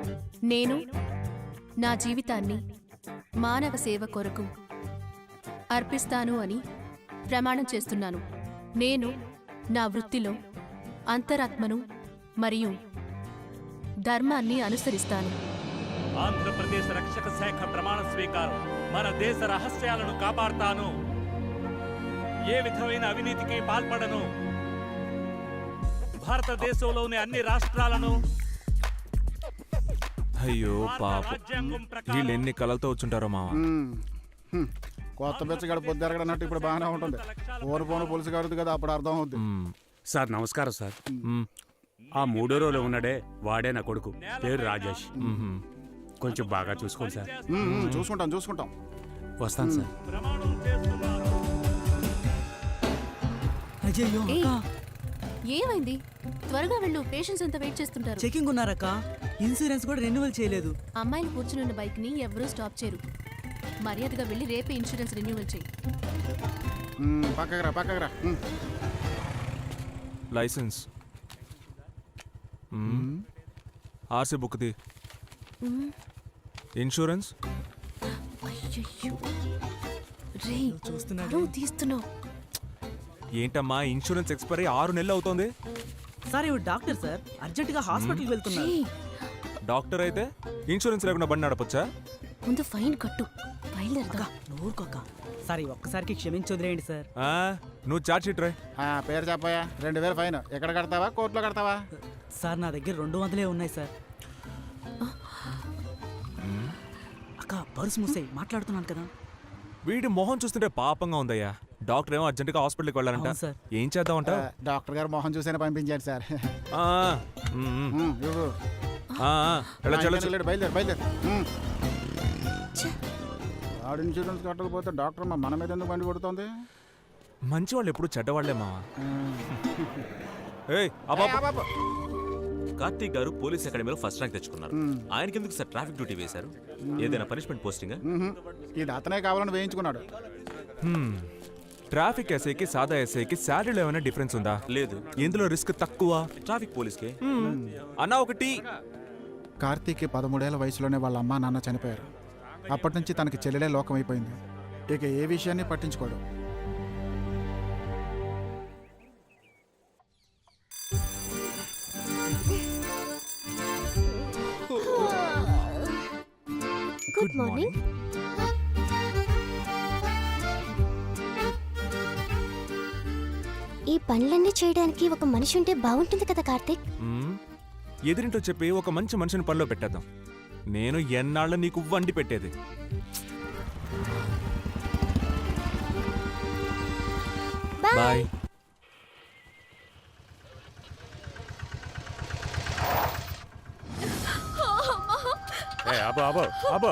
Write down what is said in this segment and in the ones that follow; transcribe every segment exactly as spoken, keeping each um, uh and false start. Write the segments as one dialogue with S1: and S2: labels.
S1: నేను నా జీవితాన్ని మానవ సేవ కొరకు అర్పిస్తాను అని ప్రమాణం చేస్తున్నాను. నేను నా వృత్తిలో అంతరాత్మను మరియు ధర్మాన్ని అనుసరిస్తాను.
S2: ఆంధ్రప్రదేశ్ రక్షక శాఖ ప్రమాణ స్వీకారం. మన దేశ రహస్యాలను కాపాడుతాను. ఏ విధమైన అవినీతికి పాల్పడను. భారతదేశంలోని అన్ని రాష్ట్రాలను
S3: అయ్యో పాప వీళ్ళు ఎన్ని కళలతో వచ్చుంటారో మామ.
S4: కొత్త బెచ్చగాడు పొద్దురగడన్నట్టు ఇప్పుడు బాగానే ఉంటుంది. పోను పోను పులుసు కడుతుంది కదా, అప్పుడు అర్థం అవుతుంది.
S5: సార్ నమస్కారం సార్. ఆ మూడో రోజులో ఉన్నాడే వాడే నా కొడుకు, పేరు రాజేష్. కొంచెం బాగా చూసుకోండి సార్.
S4: చూసుకుంటాం చూసుకుంటాం
S5: వస్తాను సార్.
S6: అయ్యో
S1: ఏమైంది? త్వరగా వెళ్ళు, పేషెంట్స్ అంతా వెయిట్ చేస్తుంటారు.
S6: చెకింగ్ ఉన్నారక్క, ఇన్సూరెన్స్ కూడా రెన్యువల్ చేయలేదు.
S1: అమ్మాయిలు కూర్చున్న బైక్ ని ఎవరూ స్టాప్ చేయరు. మర్యాదగా వెళ్ళి రేపే ఇన్సూరెన్స్ రెన్యువల్ చేయి.
S4: పక్కకురా పక్కకురా.
S3: లైసెన్స్, ఆర్సీ బుక్ది, ఇన్సూరెన్స్.
S1: తీస్తున్నావు
S3: ఏంటమ్మా, ఇన్సూరెన్స్ ఎక్స్పైరీ ఆరు నెలలు అవుతోంది.
S6: సార్ ఇవి డాక్టర్ సార్, అర్జెంట్ గా హాస్పిటల్కి వెళ్తున్నారు.
S3: డాక్టర్ అయితే ఇన్సూరెన్స్ లేకుండా బండి నడపొచ్చా?
S1: ముందు ఫైన్ కట్టు.
S6: నూరుకోక సార్, ఒక్కసారికి క్షమించి వదిలేయండి సార్.
S3: నువ్వు చార్జ్ షీట్ రాయ్.
S4: పేరు చెప్పాయా? రెండు వేలు ఫైన్. ఎక్కడ కడతావా, కోర్టులో కడతావా?
S6: సార్ నా దగ్గర రెండు వందలే ఉన్నాయి సార్. అక్క పర్సు మూసేయ్, మాట్లాడుతున్నాను కదా.
S3: వీడి మొహం చూస్తుంటే పాపంగా ఉందయ్యా. డాక్టర్ ఏమో అర్జెంట్ గా హాస్పిటల్కి వెళ్ళాలంట. ఏం చేద్దామంట?
S4: డాక్టర్ గారు మొహం చూసేనే పంపించారు సార్. బయలుదేరు బయలుదేరు. వాడు ఇన్సూరెన్స్ కట్టకపోతే డాక్టర్ మన మీద ఎందుకు బండి కొడుతుంది?
S3: మంచి వాళ్ళు ఎప్పుడు చెడ్డవాళ్లే మావా.
S7: కార్తీక్ గారు పోలీస్ అకాడమీలో ఫస్ట్ ర్యాంక్ తెచ్చుకున్నారు. ఆయనకి ఎందుకు సార్ ట్రాఫిక్ డ్యూటీ వేశారు? ఏదైనా పనిష్మెంట్ పోస్టింగ్?
S4: ఇది అతనే కావాలని వేయించుకున్నాడు.
S3: ట్రాఫిక్ ఎస్ఐకి సాదా ఎస్ఐకి శాలరీలో ఏమైనా డిఫరెన్స్ ఉందా?
S7: లేదు.
S3: ఎందులో రిస్క్ తక్కువ?
S7: ట్రాఫిక్ పోలీస్కి.
S3: అన్నా ఒకటి,
S4: కార్తీక్ పదమూడేళ్ల వయసులోనే వాళ్ళ అమ్మా నాన్న చనిపోయారు. అప్పటి నుంచి తనకి చెల్లెలే లోకం అయిపోయింది. ఇక ఏ విషయాన్ని పట్టించుకోడు.
S8: Good morning. ఈ పనులన్నీ చేయడానికి ఒక మనిషి ఉంటే బాగుంటుంది కదా కార్తీక్.
S3: ఎదురింటో చెప్పి ఒక మంచి మనిషిని పనిలో పెట్టేద్దాం. నేను ఎన్నాళ్ళ నీకు వండి పెట్టేది. బాయ్.
S5: అబ్బో అబ్బో అబ్బో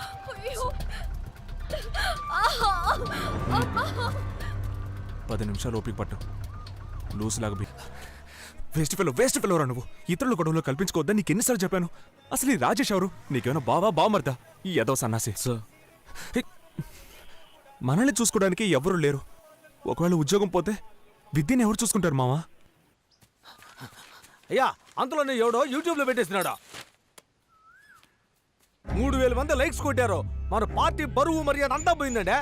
S3: పది నిమిషాలు ఓపిక పట్టు. లూస్ లాగా బి వేస్ట్ ఫెలో వేస్ట్ ఫెలోరా నువ్వు. ఇతరుల గొడవలో కల్పించుకోవద్దని నీకు ఎన్నిసార్లు చెప్పాను? అసలు ఈ రాజేష్ ఎవరు? నీకేమైనా బావా బావమర్దా? ఈ ఏదో సన్నాసి. మనల్ని చూసుకోవడానికి ఎవరు లేరు. ఒకవేళ ఉద్యోగం పోతే విద్యని ఎవరు చూసుకుంటారు మావా?
S9: అయ్యా అందులోనే ఎవడో యూట్యూబ్ లో పెట్టేసినాడా? మూడు వేల మంది లైక్స్ కొట్టారు. మన పార్టీ బరువు మర్యాద అంతా పోయిందండి.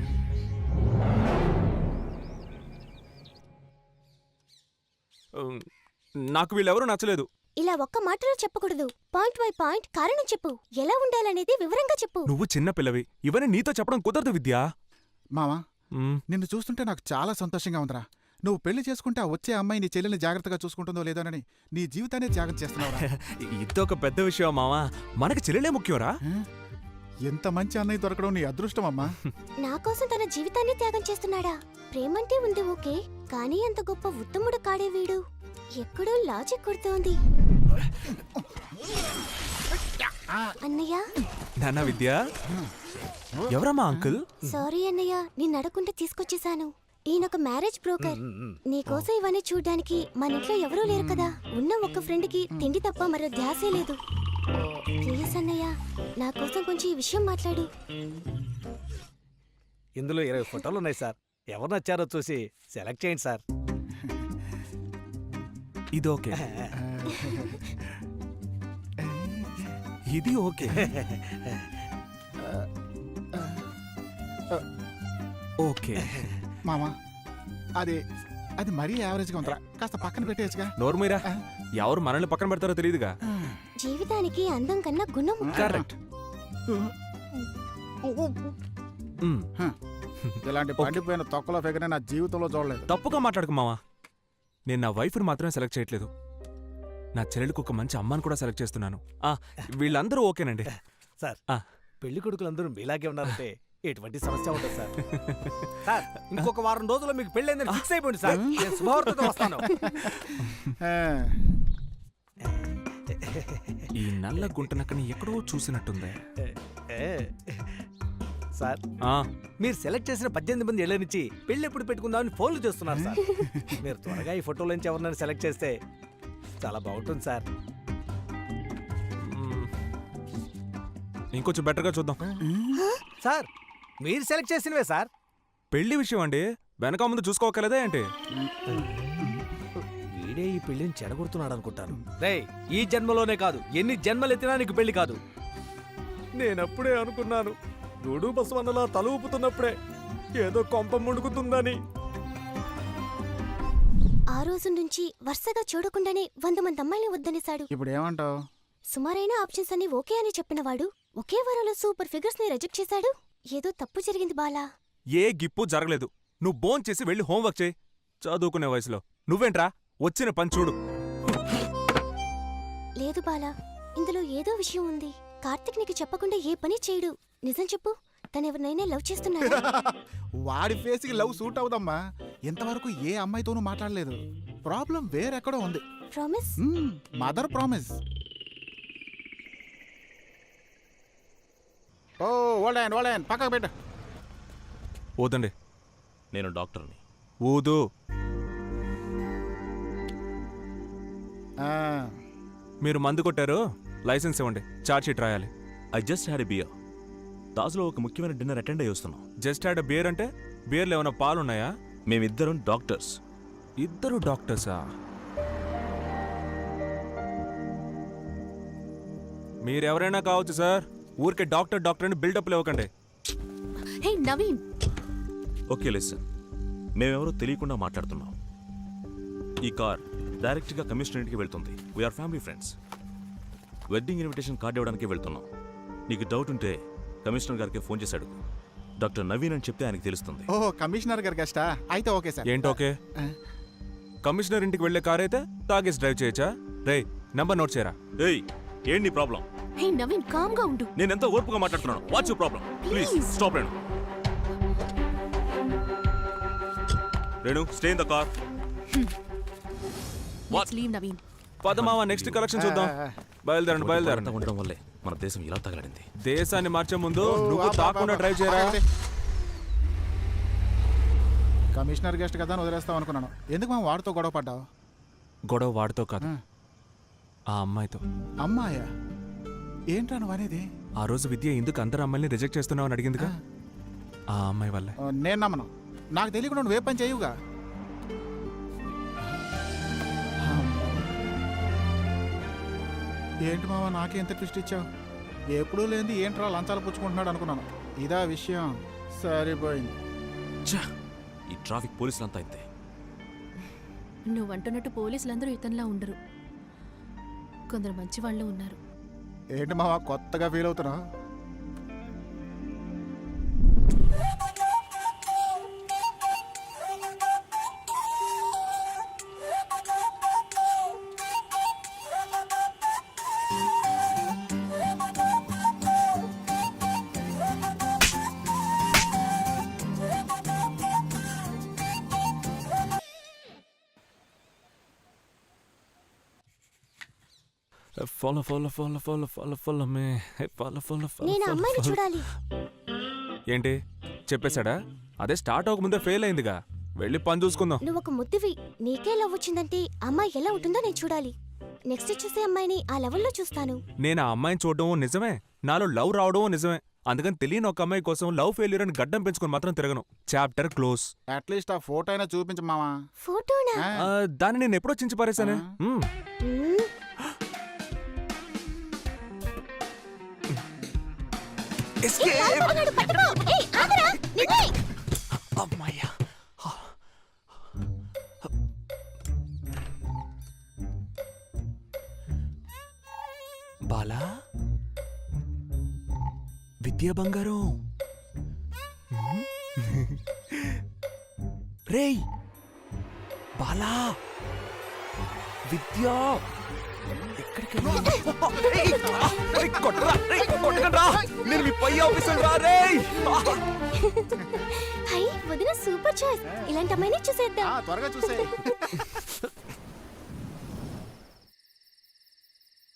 S3: నాకు వీళ్ళెవరూ నచ్చలేదు.
S8: ఇలా ఒక్క మాటలో చెప్పకూడదు. పాయింట్ బై పాయింట్ కారణం చెప్పు. ఎలా ఉండాలనేది వివరంగా చెప్పు.
S3: నువ్వు చిన్న పిల్లవి, ఇవన్నీ నీతో చెప్పడం కుదరదు విద్యా.
S4: మావా, నిన్ను చూస్తుంటే నాకు చాలా సంతోషంగా ఉందిరా. నువ్వు పెళ్లి చేసుకుంటే ఆ వచ్చే అమ్మాయి నీ చెల్లెల్ని జాగ్రత్తగా చూసుకుంటుందో లేదోనని నీ జీవితాన్ని త్యాగం చేస్తున్నావు.
S3: ఇదొక పెద్ద విషయం మావా. మనకి చెల్లెలే ముఖ్యంరా.
S4: ఎంత మంచి అన్నయ్య దొరకడం నీ అదృష్టం అమ్మా.
S8: నా కోసం తన జీవితాన్ని త్యాగం చేస్తున్నాడా? ప్రేమంటే ఉంది ఓకే, కానీ అంత గొప్ప ఉత్తముడు కాడే వీడు. ఎక్కడో లాజిక్ కొడుతోంది. అన్నయ్య.
S3: నాన్న విద్య, ఎవరమ్మా అంకుల్?
S8: సారీ అన్నయ్య, నిన్ను అడగకుండా తీసుకొచ్చేసాను. ఈయనొక మ్యారేజ్ బ్రోకర్. నీకోసం ఇవన్నీ చూడ్డానికి మన ఇంట్లో ఎవరూ లేరు కదా. ఉన్న ఒక్క ఫ్రెండ్ కి తిండి తప్ప మరో ధ్యాసే లేదు. ప్లీజ్ అన్నయ్య, నా కోసం కొంచెం ఈ విషయం మాట్లాడు.
S9: ఇందులో ఇరవై ఫోటోలు ఉన్నాయి సార్. ఎవరు నచ్చారో చూసి సెలెక్ట్ చేయండి సార్.
S3: ఇది ఓకే. ఇది ఓకే. ఓకే
S4: మామా అది అది మరీ యావరేజ్గా ఉందిరా, కాస్త పక్కన పెట్టేయచ్చుగా.
S3: నోర్మీరా, ఎవరు మనల్ని పక్కన పెడతారో తెలియదుగా.
S8: జీవితానికి అందం కన్నా గుణం
S3: కరెక్ట్.
S4: ఇలాంటి పండిపోయిన తొక్కలో ఫిగర్ నా జీవితంలో చూడలేదు.
S3: తప్పుగా మాట్లాడకు మావా. నేను నా వైఫ్ని మాత్రమే సెలెక్ట్ చేయట్లేదు, నా చెల్లెలకు ఒక మంచి అమ్మాని కూడా సెలెక్ట్ చేస్తున్నాను. ఆ, వీళ్ళందరూ ఓకేనండి.
S9: సార్
S3: ఆ.
S9: పెళ్లి కొడుకులందరూ మీలాగే ఉన్నారంటే ఎటువంటి సమస్య ఉండదు సార్. సార్ ఇంకొక వారం రోజుల్లో మీకు పెళ్ళైందని ఫిక్స్ అయిపోయింది సార్. నేను శుభవార్తతో వస్తాను.
S4: ఆ,
S3: ఈ నల్ల గుంటనక్కని ఎక్కడో చూసినట్టుంది.
S9: ఏ, సార్
S3: ఆ,
S9: మీరు సెలెక్ట్ చేసిన పద్దెనిమిది మంది ఏళ్ల నుంచి పెళ్లి ఎప్పుడు పెట్టుకుందామని ఫోన్లు చేస్తున్నారు సార్. మీరు త్వరగా ఈ ఫోటోల నుంచి ఎవరినైనా సెలెక్ట్ చేస్తే చాలా బాగుంటుంది సార్.
S3: మ్, ఇంకొంచెం బెటర్గా చూద్దాం.
S9: సార్ మీరు సెలెక్ట్ చేసినవే సార్.
S3: పెళ్లి విషయం అండి, వెనక ముందు చూసుకోకలేదా ఏంటి?
S9: వీడే ఈ పెళ్లిని చెడగొడుతున్నాడు అనుకుంటాను. రే ఈ జన్మలోనే కాదు, ఎన్ని జన్మలు ఎత్తినా నీకు పెళ్లి కాదు. నేనప్పుడే అనుకున్నాను, గూడు బసవన్నలా తల ఊపుతున్నప్పుడే ఏదో కొంప ముడుకుతుందని.
S8: ఆ రోజు నుంచి వరుసగా చూడకుండానే వంద మంది అమ్మాయిని వద్దనేశాడు.
S4: ఇప్పుడు ఏమంటావు?
S8: సుమారైన ఆప్షన్స్ అన్ని ఓకే అని చెప్పినవాడు ఒకే వారంలో సూపర్ ఫిగర్స్ ని రిజెక్ట్ చేశాడు. ఏదో తప్పు జరిగింది బాలా.
S3: ఏ గిప్పు జరగలేదు. నువ్వు బోన్ చేసి వెళ్ళి హోంవర్క్ చేయి. చదువుకునే వయసులో నువ్వేంట్రా వచ్చిన పని చూడు.
S8: లేదు బాలా, ఇందులో ఏదో విషయం ఉంది. కార్తిక్ నీకు చెప్పకుండా ఏ పని చేయడు. నిజం చెప్పు, తనెవరినైనా లవ్ చేస్తున్నాడు.
S4: వాడి ఫేస్కి లవ్ సూట్ అవుదమ్మా. ఇంతవరకు ఏ అమ్మాయితోనూ మాట్లాడలేదు. ప్రాబ్లం వేరెక్కడో ఉంది.
S8: ప్రామిస్?
S4: Mother promise. ఓ ఓల్డన్ ఓల్డన్ పక్కకు పెట్టు.
S3: ఊదండి.
S7: నేను డాక్టర్ని.
S3: ఊదు.
S4: ఆ,
S3: మీరు మందు కొట్టారు, లైసెన్స్ ఇవ్వండి, చార్జ్ షీట్ రాయాలి.
S7: I just had a beer. దాసులో ఒక ముఖ్యమైన డిన్నర్ అటెండ్ అయ్యి వస్తున్నాం.
S3: జస్ట్ హ్యాడ్ బియర్ అంటే బియర్లో ఏమైనా పాలున్నాయా?
S7: మేమిద్దరం డాక్టర్స్.
S3: ఇద్దరు డాక్టర్సా? మీరెవరైనా కావచ్చు సార్, ఊరికే డాక్టర్ డాక్టర్ అని బిల్డప్లు ఇవ్వకండి.
S1: హే నవీన్,
S7: ఓకే లిసన్, మేమెవరో తెలియకుండా మాట్లాడుతున్నాం. ఈ కార్ డైరెక్ట్గా కమిషనరేట్కి వెళ్తుంది. We're family friends. Wedding invitation card ఇవ్వడానికి వెళ్తున్నాం. నీకు డౌట్ ఉంటే కమిషనర్ గారికి ఫోన్ చేశాడు. డాక్టర్ నవీన్ అని చెప్తే ఆయనకి తెలుస్తుంది.
S4: ఓ కమిషనర్ గారి గెస్టా? అయితే ఓకే సార్.
S3: ఏంటి ఓకే?
S4: ఆ,
S3: కమిషనర్ ఇంటికి వెళ్లే కార్ అయితే తాగేసి డ్రైవ్ చేయొచ్చా? రే నంబర్ నోట్ చేయరా.
S7: ఏయ్ ఏంటి నీ ప్రాబ్లం?
S1: హే నవీన్, కామ్ గా ఉండు.
S7: నేను ఎంతో ఓర్పుగా మాట్లాడుతున్నాను. What's your problem? Please stop Renu. Renu stay in the car.
S1: Let's leave Naveen.
S3: పదమావ నెక్స్ట్ కలెక్షన్ చూద్దాం. బయలుదేరండి బయలుదేరండి.
S7: ఉండడం వల్లే మన దేశం ఇలా తగలడింది.
S3: దేశాన్ని మార్చే ముందు
S4: ఓ,
S3: నువ్వు
S4: ఆపు,
S3: తాకుండా
S4: ఆపు,
S3: డ్రైవ్ చేయరా.
S4: ఆగండి. కమిషనర్ గెస్ట్ కదా అని వదిలేస్తాం అనుకున్నాను. ఎందుకు మేము వాడితో గొడవ పడ్డావు?
S3: గొడవ వాడితో కాదు,
S4: ఆ,
S3: ఆ అమ్మాయితో.
S4: అమ్మాయా? ఏంట్రా నువ్వు అనేది?
S3: ఆ రోజు విద్య ఎందుకు అందరు అమ్మాయిని రిజెక్ట్ చేస్తున్నావు అని అడిగిందిగా, ఆ అమ్మాయి వల్లే.
S4: ఓ, నేను నమ్మను. నాకు తెలియకుండా నువ్వే పని చేయుగా. ఏంటి మావా నాకే ఎంత ట్విస్ట్ ఇచ్చావు? ఎప్పుడూ లేనిది ఏంట్రా లంచాలు పుచ్చుకుంటున్నాడు అనుకున్నాను. ఇదా విషయం. సరిపోయింది.
S7: ఛ! ఈ ట్రాఫిక్ పోలీసులంతా ఇంతే.
S1: నువ్వు అంటున్నట్టు పోలీసులందరూ ఇతనిలా ఉండరు, కొందరు మంచి వాళ్ళు ఉన్నారు.
S4: ఏంటి మావా కొత్తగా ఫీల్ అవుతున్నా?
S3: Follow follow follow follow follow follow me follow follow
S8: నేను ఆ అమ్మాయిని
S3: ఫాలో.
S8: చూడాలి.
S3: ఏంటి చెప్పేశాడా? అదే స్టార్ట్ అవ్వకముందే ఫెయిల్ అయిందిగా, వెళ్ళి పని చూసుకుందాం.
S8: నువ్వు ఒక ముద్దువి, నీకే లవ్ వచ్చిందంటే అమ్మాయి ఎలా ఉంటుందో నేను చూడాలి. నెక్స్ట్ చూసే అమ్మాయిని ఆ లెవెల్లో చూస్తాను.
S3: నేను ఆ అమ్మాయిని చూడడం నిజమే, నాలో లవ్ రావడం నిజమే. అందుకని తెలియని ఒక అమ్మాయి కోసం లవ్ ఫెయిల్యూర్ అని గడ్డం పెంచుకొని మాత్రం తిరగను. Chapter close.
S4: అట్లీస్ట్ ఆ ఫోటో అయినా చూపించు మావా.
S8: ఫోటోనా?
S4: ఆ,
S3: దాన్ని నేను ఎప్పుడో చించి పారేశానే. మ్మ్.
S8: మ్మ్.
S3: Escape!
S8: పారిపోతున్నాడు, పట్టుకో. ఏయ్, ఆగరా, నిన్నే.
S3: అమ్మయ్యా. బాలా విద్యా బంగారం. రేయ్ బాలా విద్యా ఎక్కడికి కొట్టరా కొట్టకండ్రా, నేను మీ పై ఆఫీసర్ రా. రేయ్
S8: హై, వదిన సూపర్ చాయిస్. ఇలాంటి అమ్మాయిని చూసేద్దాం.
S4: త్వరగా చూసే